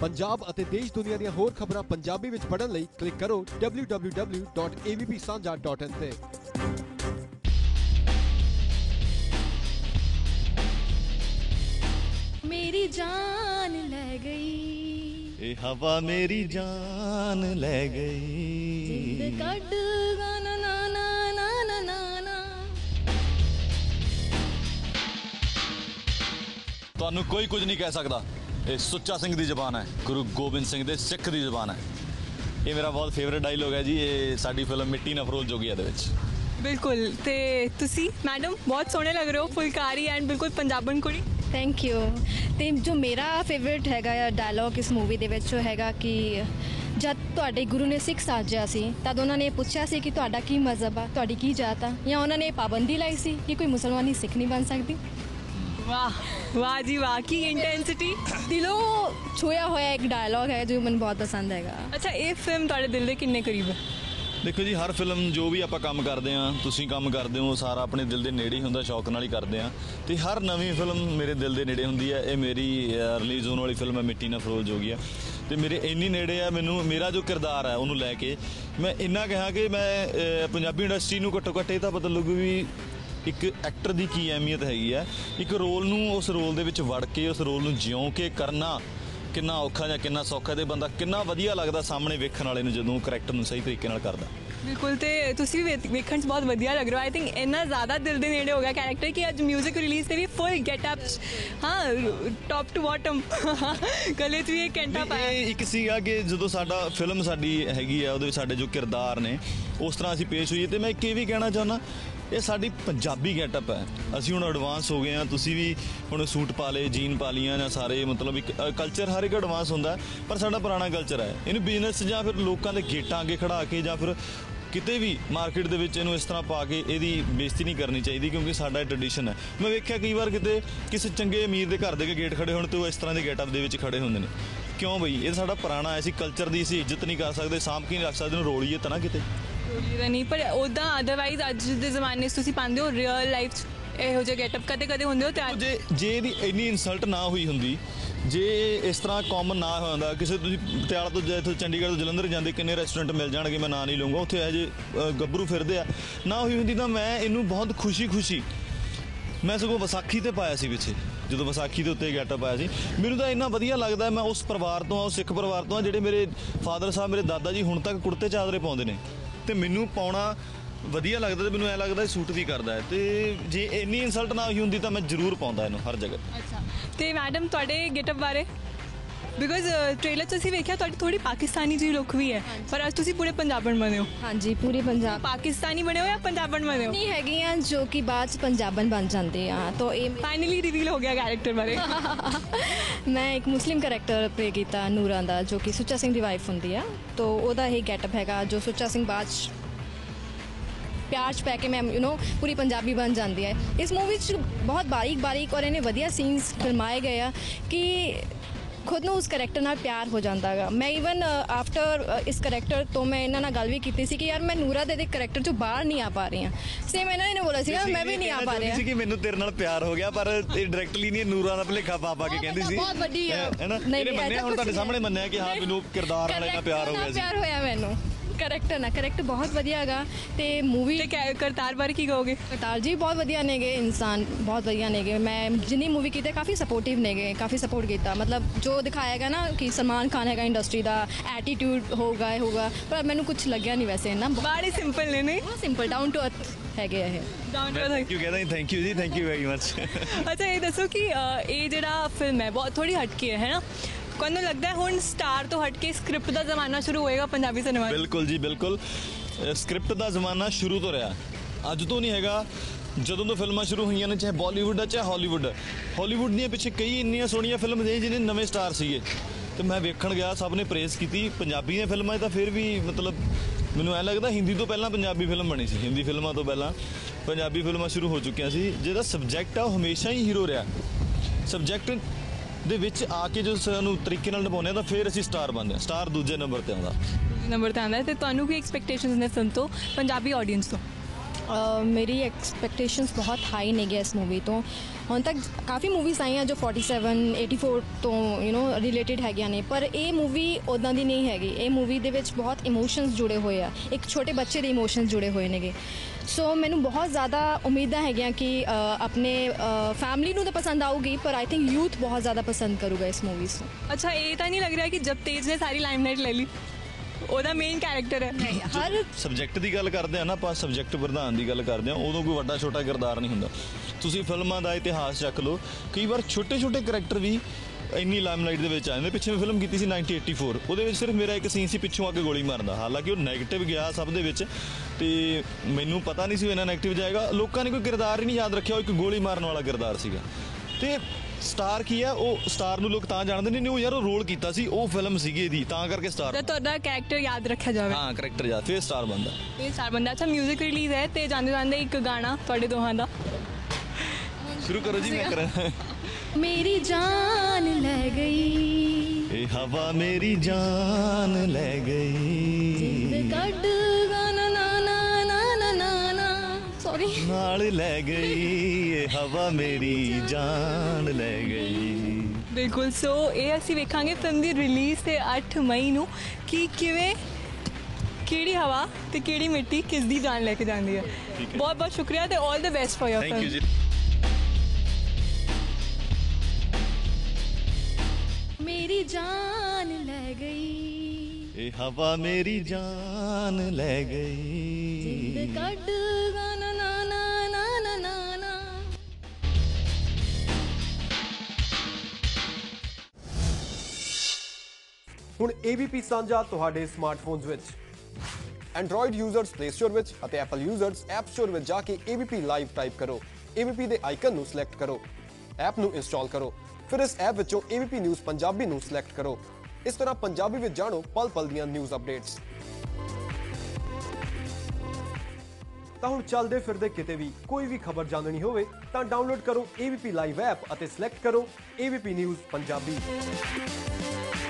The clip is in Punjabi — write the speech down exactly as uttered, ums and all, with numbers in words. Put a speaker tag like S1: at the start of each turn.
S1: पंजाब ਅਤੇ ਦੇਸ਼ ਦੁਨੀਆ ਦੀਆਂ ਹੋਰ ਖਬਰਾਂ ਪੰਜਾਬੀ ਵਿੱਚ ਪੜ੍ਹਨ ਲਈ ਕਲਿੱਕ ਕਰੋ w w w dot a b p sanja dot in ਤੇ।
S2: मेरी जान ले गई
S3: ए हवा मेरी जान ले गई
S2: जिंद कट ना ना ना ना ना ना ना।
S3: ਤੁਹਾਨੂੰ ਕੋਈ ਕੁਝ ਨਹੀਂ ਕਹਿ ਸਕਦਾ। ਇਹ ਸੁੱਚਾ ਸਿੰਘ ਦੀ ਜ਼ਬਾਨ ਹੈ, ਗੁਰੂ ਗੋਬਿੰਦ ਸਿੰਘ ਦੇ ਸਿੱਖ ਦੀ ਜ਼ਬਾਨ ਹੈ। ਇਹ ਮੇਰਾ ਬਹੁਤ ਫੇਵਰੇਟ ਡਾਇਲੋਗ ਹੈ ਜੀ। ਇਹ ਸਾਡੀ ਫਿਲਮ ਮਿੱਟੀ ਨਾ ਫਰੋਲ ਜੋਗੀਆ ਦੇ ਵਿੱਚ।
S4: ਬਿਲਕੁਲ। ਤੇ ਤੁਸੀਂ ਮੈਡਮ ਬਹੁਤ ਸੋਹਣੇ ਲੱਗ ਰਹੇ ਹੋ, ਫੁਲਕਾਰੀ ਐਂਡ ਬਿਲਕੁਲ ਪੰਜਾਬਣ ਕੁੜੀ।
S2: Thank you. ਤੇ ਜੋ ਮੇਰਾ ਫੇਵਰੇਟ ਹੈਗਾ ਡਾਇਲੋਗ ਇਸ ਮੂਵੀ ਦੇ ਵਿੱਚ ਉਹ ਹੈਗਾ ਕਿ ਜਦ ਤੁਹਾਡੇ ਗੁਰੂ ਨੇ ਸਿੱਖ ਸਾਜਿਆ ਸੀ ਤਦ ਉਹਨਾਂ ਨੇ ਪੁੱਛਿਆ ਸੀ ਕਿ ਤੁਹਾਡਾ ਕੀ ਮਜ਼ਹਬ ਆ, ਤੁਹਾਡੀ ਕੀ ਜਾਤ ਆ, ਜਾਂ ਉਹਨਾਂ ਨੇ ਪਾਬੰਦੀ ਲਾਈ ਸੀ ਕਿ ਕੋਈ ਮੁਸਲਮਾਨੀ ਸਿੱਖ ਨਹੀਂ ਬਣ ਸਕਦੀ।
S4: ਵਾਹ ਵਾਹ ਜੀ ਵਾਹ, ਕੀ ਇੰਟੈਂਸਿਟੀ,
S2: ਦਿਲੋਂ ਛੂਇਆ ਹੋਇਆ ਇੱਕ ਡਾਇਲੋਗ ਹੈ ਜੋ ਮੈਨੂੰ ਬਹੁਤ ਪਸੰਦ ਹੈਗਾ।
S4: ਅੱਛਾ, ਇਹ ਫਿਲਮ ਤੁਹਾਡੇ ਦਿਲ ਦੇ ਕਿੰਨੇ ਕਰੀਬ ਹੈ?
S3: ਦੇਖੋ ਜੀ, ਹਰ ਫਿਲਮ ਜੋ ਵੀ ਆਪਾਂ ਕੰਮ ਕਰਦੇ ਹਾਂ, ਤੁਸੀਂ ਕੰਮ ਕਰਦੇ ਹੋ, ਸਾਰਾ ਆਪਣੇ ਦਿਲ ਦੇ ਨੇੜੇ ਹੀ ਹੁੰਦਾ, ਸ਼ੌਕ ਨਾਲ ਹੀ ਕਰਦੇ ਹਾਂ। ਤੇ ਹਰ ਨਵੀਂ ਫਿਲਮ ਮੇਰੇ ਦਿਲ ਦੇ ਨੇੜੇ ਹੁੰਦੀ ਹੈ। ਇਹ ਮੇਰੀ ਰਿਲੀਜ਼ ਹੋਣ ਵਾਲੀ ਫਿਲਮ ਹੈ ਮਿੱਟੀ ਨਾ ਫਰੋਲ ਜੋਗੀਆ, ਤੇ ਮੇਰੇ ਇੰਨੀ ਨੇੜੇ ਆ। ਮੈਨੂੰ ਮੇਰਾ ਜੋ ਕਿਰਦਾਰ ਹੈ ਉਹਨੂੰ ਲੈ ਕੇ ਮੈਂ ਇੰਨਾ ਕਿਹਾ ਕਿ ਮੈਂ ਪੰਜਾਬੀ ਇੰਡਸਟਰੀ ਨੂੰ ਘੱਟੋ ਘੱਟ ਇਹ ਤਾਂ ਪਤਾ ਲੱਗੂ ਵੀ ਇੱਕ ਐਕਟਰ ਦੀ ਕੀ ਅਹਿਮੀਅਤ ਹੈਗੀ ਹੈ। ਇੱਕ ਰੋਲ ਨੂੰ, ਉਸ ਰੋਲ ਦੇ ਵਿੱਚ ਵੜ ਕੇ ਉਸ ਰੋਲ ਨੂੰ ਜਿਉਂ ਕੇ ਕਰਨਾ ਕਿੰਨਾ ਔਖਾ ਜਾਂ ਕਿੰਨਾ ਸੌਖਾ, ਤੇ ਬੰਦਾ ਕਿੰਨਾ ਵਧੀਆ ਲੱਗਦਾ ਸਾਹਮਣੇ ਵੇਖਣ ਵਾਲੇ ਨੂੰ ਜਦੋਂ ਕਰੈਕਟਰ ਨੂੰ ਸਹੀ ਤਰੀਕੇ ਨਾਲ ਕਰਦਾ।
S4: ਬਿਲਕੁਲ। ਤੇ ਤੁਸੀਂ ਵੀ ਵੇਖਣ 'ਚ ਬਹੁਤ ਵਧੀਆ ਲੱਗ ਰਹੇ ਹੋ। ਆਈ ਥਿੰਕ ਇੰਨਾ ਜ਼ਿਆਦਾ ਦਿਲ ਦੇ ਨੇੜੇ ਹੋ ਗਿਆ ਕੈਰੈਕਟਰ ਕਿ ਅੱਜ ਮਿਊਜ਼ਿਕ ਰਿਲੀਜ਼ 'ਤੇ ਵੀ ਫੁੱਲ ਗੈਟਅਪ, ਹਾਂ, ਟੌਪ ਟੂ ਬਾਟਮ, ਗਲੇ 'ਚ ਵੀ ਇੱਕ ਘੰਟਾ ਪਾਇਆ।
S3: ਇੱਕ ਸੀਗਾ ਕਿ ਜਦੋਂ ਸਾਡਾ ਫਿਲਮ ਸਾਡੀ ਹੈਗੀ ਆ ਉਹਦੇ ਵਿੱਚ ਸਾਡੇ ਜੋ ਕਿਰਦਾਰ ਨੇ ਉਸ ਤਰ੍ਹਾਂ ਅਸੀਂ ਪੇਸ਼ ਹੋਈਏ। ਤੇ ਮੈਂ ਇੱਕ ਇਹ ਵੀ ਕਹਿਣਾ ਚਾਹੁੰਦਾ, ਇਹ ਸਾਡੀ ਪੰਜਾਬੀ ਗੈਟਅਪ ਹੈ। ਅਸੀਂ ਹੁਣ ਐਡਵਾਂਸ ਹੋ ਗਏ ਹਾਂ, ਤੁਸੀਂ ਵੀ ਹੁਣ ਸੂਟ ਪਾ ਲਏ, ਜੀਨ ਪਾ ਲਈਆਂ, ਜਾਂ ਸਾਰੇ ਮਤਲਬ ਇੱਕ ਕਲਚਰ ਹਰ ਇੱਕ ਐਡਵਾਂਸ ਹੁੰਦਾ, ਪਰ ਸਾਡਾ ਪੁਰਾਣਾ ਕਲਚਰ ਹੈ। ਇਹਨੂੰ ਬਿਜ਼ਨਸ ਜਾਂ ਫਿਰ ਲੋਕਾਂ ਦੇ ਗੇਟਾਂ ਅੱਗੇ ਖੜਾ ਕੇ ਜਾਂ ਫਿਰ ਕਿਤੇ ਵੀ ਮਾਰਕੀਟ ਦੇ ਵਿੱਚ ਇਹਨੂੰ ਇਸ ਤਰ੍ਹਾਂ ਪਾ ਕੇ ਇਹਦੀ ਬੇਇੱਜ਼ਤੀ ਨਹੀਂ ਕਰਨੀ ਚਾਹੀਦੀ, ਕਿਉਂਕਿ ਸਾਡਾ ਟ੍ਰੈਡੀਸ਼ਨ ਹੈ। ਮੈਂ ਵੇਖਿਆ ਕਈ ਵਾਰ ਕਿਤੇ ਕਿਸੇ ਚੰਗੇ ਅਮੀਰ ਦੇ ਘਰ ਦੇ ਗੇਟ ਖੜੇ ਹੋਣ ਤੇ ਉਹ ਇਸ ਤਰ੍ਹਾਂ ਦੇ ਗੇਟਅਪ ਦੇ ਵਿੱਚ ਖੜੇ ਹੁੰਦੇ ਨੇ। ਕਿਉਂ ਬਈ? ਇਹ ਸਾਡਾ ਪੁਰਾਣਾ ਹੈ, ਅਸੀਂ ਕਲਚਰ ਦੀ ਅਸੀਂ ਇੱਜ਼ਤ ਨਹੀਂ ਕਰ ਸਕਦੇ, ਸਾਂਭ ਕੇ ਨਹੀਂ ਰੱਖ ਸਕਦੇ, ਉਹਨੂੰ ਰੋਲੀਏ ਤਾਂ ਨਾ ਕਿਤੇ।
S4: ਨਹੀਂ, ਪਰ ਉੱਦਾਂ ਅਦਰਵਾਈਜ਼ ਅੱਜ ਦੇ ਜ਼ਮਾਨੇ 'ਚ ਤੁਸੀਂ ਪਾਉਂਦੇ ਹੋ ਰੀਅਲ ਲਾਈਫ 'ਚ ਇਹੋ ਜਿਹੇ ਗੈਟਅਪ ਕਦੇ ਕਦੇ ਹੁੰਦੇ ਹੋ ਤਿਆਰ? ਜੇ
S3: ਜੇ ਇਹਦੀ ਇੰਨੀ ਇਨਸਲਟ ਨਾ ਹੋਈ ਹੁੰਦੀ, ਜੇ ਇਸ ਤਰ੍ਹਾਂ ਕਾਮਨ ਨਾ ਹੋਇਆ ਹੁੰਦਾ, ਕਿਸੇ ਤੁਸੀਂ ਪਟਿਆਲਾ ਤੋਂ ਜਾਂ ਇੱਥੋਂ ਚੰਡੀਗੜ੍ਹ ਤੋਂ ਜਲੰਧਰ ਜਾਂਦੇ ਕਿੰਨੇ ਰੈਸਟੋਰੈਂਟ ਮਿਲ ਜਾਣਗੇ, ਮੈਂ ਨਾਂ ਨਹੀਂ ਲਊਂਗਾ, ਉੱਥੇ ਇਹੋ ਜਿਹੇ ਗੱਭਰੂ ਫਿਰਦੇ ਆ, ਨਾ ਹੋਈ ਹੁੰਦੀ ਤਾਂ ਮੈਂ ਇਹਨੂੰ ਬਹੁਤ ਖੁਸ਼ੀ ਖੁਸ਼ੀ ਮੈਂ ਸਗੋਂ ਵਿਸਾਖੀ 'ਤੇ ਪਾਇਆ ਸੀ ਪਿੱਛੇ, ਜਦੋਂ ਵਿਸਾਖੀ ਦੇ ਉੱਤੇ ਗੈਟਅਪ ਪਾਇਆ ਸੀ। ਮੈਨੂੰ ਤਾਂ ਇੰਨਾ ਵਧੀਆ ਲੱਗਦਾ। ਮੈਂ ਉਸ ਪਰਿਵਾਰ ਤੋਂ ਆ, ਉਸ ਸਿੱਖ ਪਰਿਵਾਰ ਤੋਂ ਆ ਜਿਹੜੇ ਮੇਰੇ ਫਾਦਰ ਸਾਹਿਬ, ਮੇਰੇ ਦਾਦਾ ਜੀ ਹੁਣ ਤੱਕ ਕੁੜਤੇ ਚਾਦਰੇ ਪਾਉਂਦੇ ਨੇ, ਤੇ ਮੈਨੂੰ ਪਾਉਣਾ ਵਧੀਆ ਲੱਗਦਾ, ਤੇ ਮੈਨੂੰ ਐਂ ਲੱਗਦਾ ਸੂਟ ਵੀ ਕਰਦਾ ਹੈ। ਤੇ ਜੇ ਇੰਨੀ ਇਨਸਲਟ ਨਾ ਹੋਈ ਹੁੰਦੀ ਤਾਂ ਮੈਂ ਜ਼ਰੂਰ ਪਾਉਂਦਾ ਇਹਨੂੰ ਹਰ ਜਗ੍ਹਾ।
S4: ਅੱਛਾ, ਤੇ ਮੈਡਮ ਤੁਹਾਡੇ ਗੈਟਅਪ ਬਾਰੇ, ਬਿਕੋਜ਼ ਟ੍ਰੇਲਰ 'ਚ ਅਸੀਂ ਵੇਖਿਆ ਤੁਹਾਡੀ ਥੋੜੀ ਪਾਕਿਸਤਾਨੀ ਜਿਹੀ ਲੁੱਕ ਵੀ ਹੈ, ਪਰ ਅੱਜ ਤੁਸੀਂ ਪੂਰੇ ਪੰਜਾਬਣ ਬਣੇ ਹੋ।
S2: ਹਾਂਜੀ, ਪੂਰੇ ਪੰਜਾਬ।
S4: ਪਾਕਿਸਤਾਨੀ ਬਣੇ ਹੋ ਜਾਂ ਪੰਜਾਬਣ ਬਣੇ ਹੋ?
S2: ਨਹੀਂ ਹੈਗੀਆਂ ਜੋ ਕਿ ਬਾਅਦ 'ਚ ਪੰਜਾਬਣ ਬਣ ਜਾਂਦੇ ਆ। ਤਾਂ ਇਹ
S4: ਫਾਈਨਲੀ ਰਿਵੀਲ ਹੋ ਗਿਆ ਕੈਰੈਕਟਰ ਬਾਰੇ।
S2: ਮੈਂ ਇੱਕ ਮੁਸਲਿਮ ਕਰੈਕਟਰ ਪਲੇ ਕੀਤਾ, ਨੂਰਾਂ ਦਾ, ਜੋ ਕਿ ਸੁੱਚਾ ਸਿੰਘ ਦੀ ਵਾਈਫ ਹੁੰਦੀ ਆ। ਤਾਂ ਉਹਦਾ ਇਹ ਗੈਟਅਪ ਹੈਗਾ ਜੋ ਸੁੱਚਾ ਸਿੰਘ ਬਾਅਦ 'ਚ ਪਿਆਰ 'ਚ ਪੈ ਕੇ ਮੈਂ ਯੂ ਨੋ ਪੂਰੀ ਪੰਜਾਬੀ ਬਣ ਜਾਂਦੀ ਹੈ। ਇਸ ਮੂਵੀ 'ਚ ਬਹੁਤ ਬਾਰੀਕ ਬਾਰੀਕ ਔਰ ਇਹਨੇ ਵਧੀਆ ਸੀਨਸ ਫਿਲਮਾਏ ਗਏ ਆ ਕਿ ਖੁਦ ਨੂੰ ਉਸ ਕਰੈਕਟਰ ਨਾਲ ਪਿਆਰ ਹੋ ਜਾਂਦਾ ਗਾ। ਮੈਂ ਈਵਨ ਆਫਟਰ ਇਸ ਕਰੈਕਟਰ ਤੋਂ ਮੈਂ ਇਹਨਾਂ ਨਾਲ ਗੱਲ ਵੀ ਕੀਤੀ ਸੀ ਕਿ ਯਾਰ ਮੈਂ ਨੂਰਾ ਦੇ ਕਰੈਕਟਰ 'ਚੋਂ ਬਾਹਰ ਨਹੀਂ ਆ ਪਾ ਰਹੀ ਹਾਂ। ਸੇਮ ਇਹਨਾਂ ਨੇ ਬੋਲਿਆ ਸੀਗਾ ਮੈਂ ਵੀ ਨਹੀਂ ਆ ਪਾ ਰਿਹਾ ਸੀ ਕਿ
S3: ਮੈਨੂੰ ਤੇਰੇ ਨਾਲ ਪਿਆਰ ਹੋ ਗਿਆ, ਪਰ ਇਹ ਡਾਇਰੈਕਟਲੀ ਨਹੀਂ, ਨੂਰਾ ਦਾ ਭੁਲੇਖਾ ਪਾ ਪਾ ਕੇ ਕਹਿੰਦੀ ਸੀ।
S2: ਬਹੁਤ ਵੱਡੀ ਹੈ ਨਾ,
S3: ਇਹਨੇ ਮੰਨਿਆ, ਹੁਣ ਤੁਹਾਡੇ ਸਾਹਮਣੇ ਮੰਨਿਆ ਕਿ ਹਾਂ ਮੈਨੂੰ ਕਿਰਦਾਰ ਨਾਲ ਇੰਨਾ ਪਿਆਰ ਹੋ ਗਿਆ ਸੀ।
S2: ਪਿਆਰ ਹੋਇਆ ਮੈਨੂੰ ਕਰੈਕਟਰ ਨਾ, ਕਰੈਕਟਰ ਬਹੁਤ ਵਧੀਆ ਹੈਗਾ। ਤੇ ਮੂਵੀ
S4: ਕਰਤਾਰ ਬਾਰੇ ਕੀ ਕਹੋਗੇ?
S2: ਕਰਤਾਰ ਜੀ ਬਹੁਤ ਵਧੀਆ ਨੇਗੇ, ਇਨਸਾਨ ਬਹੁਤ ਵਧੀਆ ਨੇਗੇ। ਮੈਂ ਜਿੰਨੀ ਮੂਵੀ ਕੀਤੀ ਕਾਫੀ ਸਪੋਰਟਿਵ ਨੇਗੇ, ਕਾਫੀ ਸਪੋਰਟ ਕੀਤਾ। ਮਤਲਬ ਜੋ ਦਿਖਾਏਗਾ ਨਾ ਕਿ ਸਲਮਾਨ ਖਾਨ ਹੈਗਾ ਇੰਡਸਟਰੀ ਦਾ, ਐਟੀਟਿਊਡ ਹੋਊਗਾ ਇਹ ਹੋਊਗਾ, ਪਰ ਮੈਨੂੰ ਕੁਛ ਲੱਗਿਆ ਨਹੀਂ ਵੈਸੇ ਨਾ।
S4: ਬੜੇ ਸਿੰਪਲ ਨੇ, ਨਹੀਂ
S2: ਸਿੰਪਲ ਡਾਊਨ ਟੂ ਅਰਥ ਹੈਗੇ ਇਹ।
S3: ਥੈਂਕ ਯੂ ਕਹਿੰਦਾ, ਥੈਂਕ ਯੂ ਜੀ, ਥੈਂਕ ਯੂ ਵੈਰੀ ਮਚ।
S4: ਅੱਛਾ, ਇਹ ਦੱਸੋ ਕਿ ਇਹ ਜਿਹੜਾ ਫਿਲਮ ਹੈ ਬਹੁਤ ਥੋੜੀ ਹਟਕੇ ਹੈ ਨਾ, ਤੁਹਾਨੂੰ ਲੱਗਦਾ ਹੁਣ ਸਟਾਰ ਤੋਂ ਹਟ ਕੇ ਸਕ੍ਰਿਪਟ ਦਾ ਜ਼ਮਾਨਾ ਸ਼ੁਰੂ ਹੋਏਗਾ ਪੰਜਾਬੀ ਸਿਨੇਮਾ? ਬਿਲਕੁਲ
S3: ਜੀ, ਬਿਲਕੁਲ। ਸਕ੍ਰਿਪਟ ਦਾ ਜ਼ਮਾਨਾ ਸ਼ੁਰੂ ਤੋਂ ਰਿਹਾ, ਅੱਜ ਤੋਂ ਨਹੀਂ ਹੈਗਾ। ਜਦੋਂ ਤੋਂ ਫਿਲਮਾਂ ਸ਼ੁਰੂ ਹੋਈਆਂ ਨੇ, ਚਾਹੇ ਬਾਲੀਵੁੱਡ ਹੈ ਚਾਹੇ ਹਾਲੀਵੁੱਡ ਹੈ, ਹਾਲੀਵੁੱਡ ਦੀਆਂ ਪਿੱਛੇ ਕਈ ਇੰਨੀਆਂ ਸੋਹਣੀਆਂ ਫਿਲਮ ਨੇ ਜਿਹਨੇ ਨਵੇਂ ਸਟਾਰ ਸੀਗੇ, ਤੇ ਮੈਂ ਵੇਖਣ ਗਿਆ, ਸਭ ਨੇ ਪ੍ਰੇਜ਼ ਕੀਤੀ। ਪੰਜਾਬੀ ਦੀਆਂ ਫਿਲਮਾਂ 'ਚ ਤਾਂ ਫਿਰ ਵੀ ਮਤਲਬ ਮੈਨੂੰ ਐਂ ਲੱਗਦਾ ਹਿੰਦੀ ਤੋਂ ਪਹਿਲਾਂ ਪੰਜਾਬੀ ਫਿਲਮ ਬਣੀ ਸੀ, ਹਿੰਦੀ ਫਿਲਮਾਂ ਤੋਂ ਪਹਿਲਾਂ ਪੰਜਾਬੀ ਫਿਲਮਾਂ ਸ਼ੁਰੂ ਹੋ ਚੁੱਕੀਆਂ ਸੀ। ਜਿਹਦਾ ਸਬਜੈਕਟ ਆ ਉਹ ਹਮੇਸ਼ਾ ਹੀ ਹੀਰੋ ਰਿਹਾ। ਸਬਜੈਕਟ ਦੇ ਵਿੱਚ ਆ ਕੇ ਜੋ ਸਾਨੂੰ ਤਰੀਕੇ ਨਾਲ ਨਿਭਾਉਂਦੇ ਆ ਤਾਂ ਫਿਰ ਅਸੀਂ ਸਟਾਰ ਬਣਦੇ ਹਾਂ। ਸਟਾਰ ਦੂਜੇ ਨੰਬਰ 'ਤੇ ਆਉਂਦਾ,
S4: ਨੰਬਰ 'ਤੇ ਆਉਂਦਾ। ਅਤੇ ਤੁਹਾਨੂੰ ਕੀ ਐਕਸਪੈਕਟੇਸ਼ਨਸ ਨੇ ਫਿਲਮ ਤੋਂ, ਪੰਜਾਬੀ ਆਡੀਅנס ਤੋਂ?
S2: ਅ, ਮੇਰੀ ਐਕਸਪੈਕਟੇਸ਼ਨਸ ਬਹੁਤ ਹਾਈ ਨੇਗੇ ਇਸ ਮੂਵੀ ਤੋਂ। ਹੁਣ ਤੱਕ ਕਾਫੀ ਮੂਵੀਜ਼ ਆਈਆਂ ਜੋ ਸੈਂਤਾਲੀ ਚੁਰਾਸੀ ਤੋਂ ਯੂ نو ਰਿਲੇਟਡ ਹੈਗੀਆਂ ਨੇ, ਪਰ ਇਹ ਮੂਵੀ ਉੱਦਾਂ ਦੀ ਨਹੀਂ ਹੈਗੀ। ਇਹ ਮੂਵੀ ਦੇ ਵਿੱਚ ਬਹੁਤ ਇਮੋਸ਼ਨਸ ਜੁੜੇ ਹੋਏ ਆ, ਇੱਕ ਛੋਟੇ ਬੱਚੇ ਦੇ ਇਮੋਸ਼ਨਸ ਜੁੜੇ ਹੋਏ ਨੇਗੇ। ਸੋ ਮੈਨੂੰ ਬਹੁਤ ਜ਼ਿਆਦਾ ਉਮੀਦਾਂ ਹੈਗੀਆਂ ਕਿ ਅ, ਆਪਣੇ ਫੈਮਿਲੀ ਨੂੰ ਤਾਂ ਪਸੰਦ ਆਊਗੀ, ਪਰ ਆਈ ਥਿੰਕ ਯੂਥ ਬਹੁਤ ਜ਼ਿਆਦਾ ਪਸੰਦ ਕਰੂਗਾ ਇਸ ਮੂਵੀਜ਼ ਨੂੰ।
S4: ਅੱਛਾ, ਇਹ ਤਾਂ ਨਹੀਂ ਲੱਗ ਰਿਹਾ ਕਿ ਜਬ ਤੇਜ ਨੇ ਸਾਰੀ ਲਾਈਮਲਾਈਟ ਲੈ ਲਈ, ਉਹਦਾ ਮੇਨ ਕੈਰੈਕਟਰ ਹੈ।
S2: ਹਰ
S3: ਸਬਜੈਕਟ ਦੀ ਗੱਲ ਕਰਦੇ ਆ ਨਾ ਆਪਾਂ, ਸਬਜੈਕਟ ਪ੍ਰਧਾਨ ਦੀ ਗੱਲ ਕਰਦੇ ਆ, ਉਦੋਂ ਕੋਈ ਵੱਡਾ ਛੋਟਾ ਕਿਰਦਾਰ ਨਹੀਂ ਹੁੰਦਾ। ਤੁਸੀਂ ਫਿਲਮਾਂ ਦਾ ਇਤਿਹਾਸ ਚੱਕ ਲਓ, ਕਈ ਵਾਰ ਛੋਟੇ ਛੋਟੇ ਕਰੈਕਟਰ ਵੀ ਇੰਨੀ ਲਾਈਮਲਾਈਟ ਦੇ ਵਿੱਚ ਆ ਜਾਂਦੇ। ਪਿੱਛੇ ਮੈਂ ਫਿਲਮ ਕੀਤੀ ਸੀ ਨਾਈਨਟੀਨ ਏਟੀ ਫੋਰ, ਉਹਦੇ ਵਿੱਚ ਸਿਰਫ ਮੇਰਾ ਇੱਕ ਸੀਨ ਸੀ ਪਿੱਛੋਂ ਆ ਕੇ ਗੋਲੀ ਮਾਰਦਾ, ਹਾਲਾਂਕਿ ਉਹ ਨੈਗੇਟਿਵ ਗਿਆ ਸਭ ਦੇ ਵਿੱਚ, ਤੇ ਮੈਨੂੰ ਪਤਾ ਨਹੀਂ ਸੀ ਉਹ ਇੰਨਾ ਨੈਗੇਟਿਵ ਜਾਏਗਾ। ਲੋਕਾਂ ਨੇ ਕੋਈ ਕਿਰਦਾਰ ਹੀ ਨਹੀਂ ਯਾਦ ਰੱਖਿਆ, ਉਹ ਇੱਕ ਗੋਲੀ ਮਾਰਨ ਵਾਲਾ ਕਿਰਦਾਰ ਸੀਗਾ। ਤੇ ਸਟਾਰ ਕੀ ਆ, ਉਹ ਸਟਾਰ ਨੂੰ ਲੋਕ ਤਾਂ ਜਾਣਦੇ ਨੇ, ਉਹ ਯਾਰ ਉਹ ਰੋਲ ਕੀਤਾ ਸੀ, ਉਹ ਫਿਲਮ ਸੀਗੀ ਇਹਦੀ, ਤਾਂ ਕਰਕੇ ਸਟਾਰ।
S4: ਜਦ ਤੁਹਾਡਾ ਕੈਰੈਕਟਰ ਯਾਦ ਰੱਖਿਆ ਜਾਵੇ,
S3: ਹਾਂ ਕਰੈਕਟਰ ਯਾਦ, ਫਿਰ ਸਟਾਰ ਬਣਦਾ।
S4: ਇਹ ਸਟਾਰ ਬੰਦਾ। ਅੱਛਾ, 뮤직 ਰਿਲੀਜ਼ ਹੈ ਤੇ ਜਾਂਦੇ ਜਾਂਦੇ ਇੱਕ ਗਾਣਾ ਤੁਹਾਡੇ ਦੋਹਾਂ ਦਾ
S3: ਸ਼ੁਰੂ ਕਰੋ ਜੀ, ਮੈਂ ਕਰਾਂ।
S2: ਮੇਰੀ ਜਾਨ ਲੈ ਗਈ,
S3: ਇਹ ਹਵਾ ਮੇਰੀ ਜਾਨ ਲੈ ਗਈ,
S2: ਜਿੰਦ ਕੱਢ ਗਾਣਾ ਨਾ ਨਾ ਨਾ ਨਾ ਨਾ ਨਾ ਸੌਰੀ
S3: ਨਾਲ ਲੈ ਗਈ, ਇਹ ਹਵਾ ਮੇਰੀ ਜਾਨ ਲੈ ਗਈ।
S4: ਬਿਲਕੁਲ। ਸੋ ਇਹ ਅਸੀਂ ਵੇਖਾਂਗੇ ਫਿਲਮ ਦੀ ਰਿਲੀਜ਼ ਤੇ ਅੱਠ ਮਈ ਨੂੰ ਕਿ ਕਿਵੇਂ ਕਿਹੜੀ ਹਵਾ ਤੇ ਕਿਹੜੀ ਮਿੱਟੀ ਕਿਸ ਦੀ ਜਾਨ ਲੈ ਕੇ ਜਾਂਦੀ ਹੈ। ਬਹੁਤ ਬਹੁਤ ਸ਼ੁਕਰੀਆ ਤੇ all the best for your
S3: Thank You
S4: film.
S3: ਜੀ।
S2: ਮੇਰੀ ਜਾਨ ਲੈ ਗਈ,
S3: ਇਹ ਹਵਾ ਮੇਰੀ ਜਾਨ ਲੈ ਗਈ,
S2: ਜਿੰਦ ਕੱਢ ਗਾਣਾ ਨਾ ਨਾ ਨਾ ਨਾ ਨਾ ਨਾ।
S1: ਹੁਣ ਏਬੀਪੀ ਸਾਂਝਾ ਤੁਹਾਡੇ ਸਮਾਰਟਫੋਨਸ ਵਿੱਚ ਐਂਡਰੋਇਡ ਯੂਜ਼ਰਸ ਪਲੇ ਸਟੋਰ ਵਿੱਚ ਅਤੇ ਐਪਲ ਯੂਜ਼ਰਸ ਐਪ ਸਟੋਰ ਵਿੱਚ ਜਾ ਕੇ ਏਬੀਪੀ ਲਾਈਵ ਟਾਈਪ ਕਰੋ, ਏਬੀਪੀ ਦੇ ਆਈਕਨ ਨੂੰ ਸਿਲੈਕਟ ਕਰੋ, ਐਪ ਨੂੰ ਇੰਸਟਾਲ ਕਰੋ, ਫਿਰ ਇਸ ਐਪ ਵਿੱਚੋਂ ਏਬੀਪੀ ਨਿਊਜ਼ ਪੰਜਾਬੀ ਨੂੰ ਸਿਲੈਕਟ ਕਰੋ। ਇਸ ਤਰ੍ਹਾਂ ਪੰਜਾਬੀ ਵਿੱਚ ਜਾਣੋ ਪਲ ਪਲ ਦੀਆਂ ਨਿਊਜ਼ ਅਪਡੇਟਸ। ਤਾਂ ਹੁਣ ਚੱਲਦੇ ਫਿਰਦੇ ਕਿਤੇ ਵੀ ਕੋਈ ਵੀ ਖਬਰ ਜਾਣਨੀ ਹੋਵੇ ਤਾਂ ਡਾਊਨਲੋਡ ਕਰੋ ਏਬੀਪੀ ਲਾਈਵ ਐਪ ਅਤੇ ਸਿਲੈਕਟ ਕਰੋ ਏਬੀਪੀ ਨਿਊਜ਼ ਪੰਜਾਬੀ।